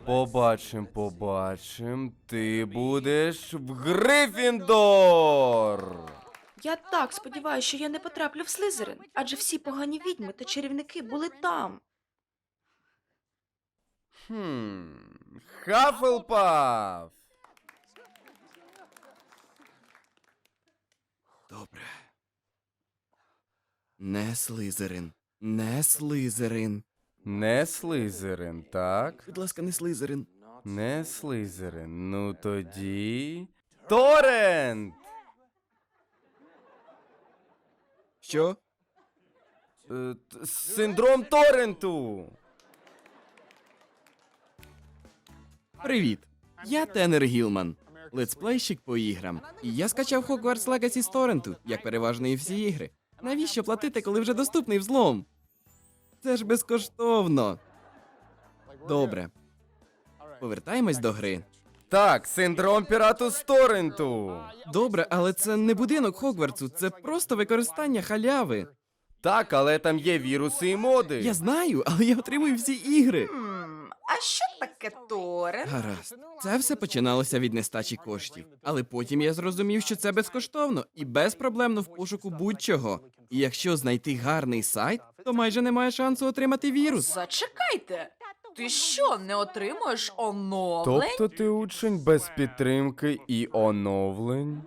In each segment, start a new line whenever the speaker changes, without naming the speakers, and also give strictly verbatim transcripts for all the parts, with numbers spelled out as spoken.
Побачим, побачим. Ти будеш в Грифіндор!
Я так сподіваюся, що я не потраплю в Слизерин, адже всі погані відьми та чарівники були там.
Хм. Хафлпаф!
Добре. Не Слизерин. Не Слизерин.
Не Слизерин, так?
Будь ласка, не Слизерин.
Не Слизерин. Ну тоді... Торрент!
Що?
Е, т- Синдром Торренту!
Привіт. Я Тенер Гілман, летсплейщик по іграм. І я скачав Hogwarts Legacy з торренту, як переважно і всі ігри. Навіщо платити, коли вже доступний взлом? Це ж безкоштовно. Добре. Повертаємось до гри.
Так, синдром пірату з Торренту!
Добре, але це не будинок Хогвартсу, це просто використання халяви.
Так, але там є віруси і моди.
Я знаю, але я отримую всі ігри.
Хм, а що таке Торрент?
Гаразд. Це все починалося від нестачі коштів. Але потім я зрозумів, що це безкоштовно і безпроблемно в пошуку будь-чого. І якщо знайти гарний сайт, то майже немає шансу отримати вірус.
Зачекайте. Ти що, не отримуєш оновлень?
Тобто ти учень без підтримки і оновлень?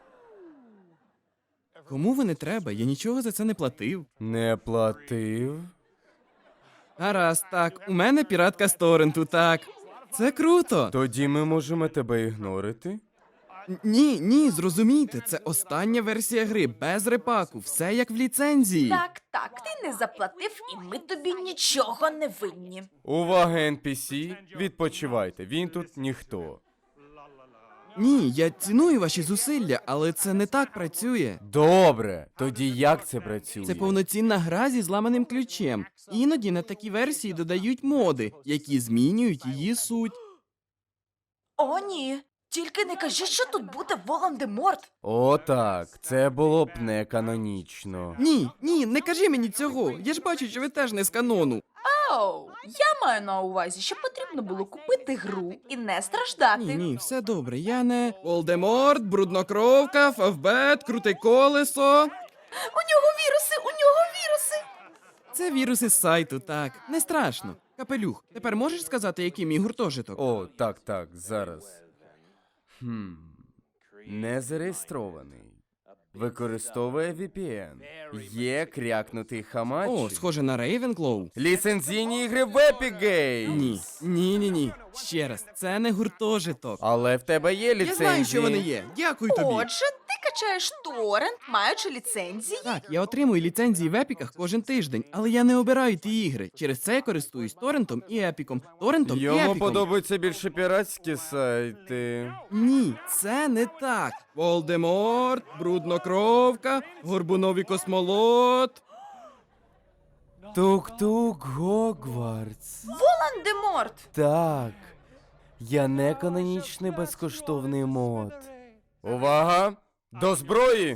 Кому ви не треба? Я нічого за це не платив.
Не платив?
Гаразд, так, у мене піратка з торренту, так. Це круто.
Тоді ми можемо тебе ігнорити?
Н- Ні, ні, зрозумійте, це остання версія гри, без репаку, все як в ліцензії.
Так, так, ти не заплатив, і ми тобі нічого не винні.
Увага, ен пі сі, відпочивайте, він тут ніхто.
Ні, я ціную ваші зусилля, але це не так працює.
Добре, тоді як це працює?
Це повноцінна гра зі зламаним ключем. Іноді на такі версії додають моди, які змінюють її суть.
О, ні. Тільки не кажи, що тут буде Волан-де-Морт.
О, так, це було б не канонічно.
Ні, ні, не кажи мені цього. Я ж бачу, що ви теж не з канону.
Оу, я маю на увазі, що потрібно було купити гру і не страждати.
Ні, ні, все добре. Я не Волдеморт, бруднокровка, Фавбет, круте колесо.
У нього віруси, у нього віруси.
Це віруси з сайту, так. Не страшно. Капелюх, тепер можеш сказати, який мій гуртожиток?
О, так, так, зараз. Хм. Не зареєстрований. Використовує ві пі ен. Є крякнутий хамач.
О, схоже на Рейвенклоу.
Ліцензійні ігри в Epic Games.
Ні, ні, ні, ні. Ще раз, це не гуртожиток.
Але в тебе є ліцензії.
Я знаю, що вони є. Дякую тобі.
Отже, ти качаєш торрент, маючи ліцензії.
Так, я отримую ліцензії в епіках кожен тиждень, але я не обираю ті ігри. Через це я користуюсь торрентом і епіком. Торрентом і
Йому
епіком.
подобаються більше піратські сайти.
Ні, це не так. Волдеморт, бруднокровка, горбуновий космолот.
Тук-тук Гогвартс.
Волан-де-Морт.
Так. Я не канонічний безкоштовний мод. Увага! До зброї!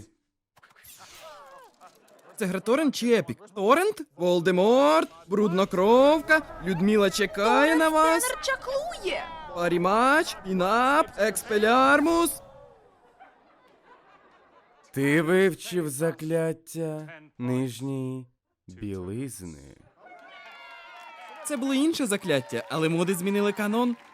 Це гра торрент чи епік? Торрент? Волдеморт, бруднокровка, Людмила чекає на вас.
Тренер чаклує.
Парімач, Пінап, Експелярмус.
Ти вивчив закляття нижньої білизни.
Це було інше закляття, але моди змінили канон.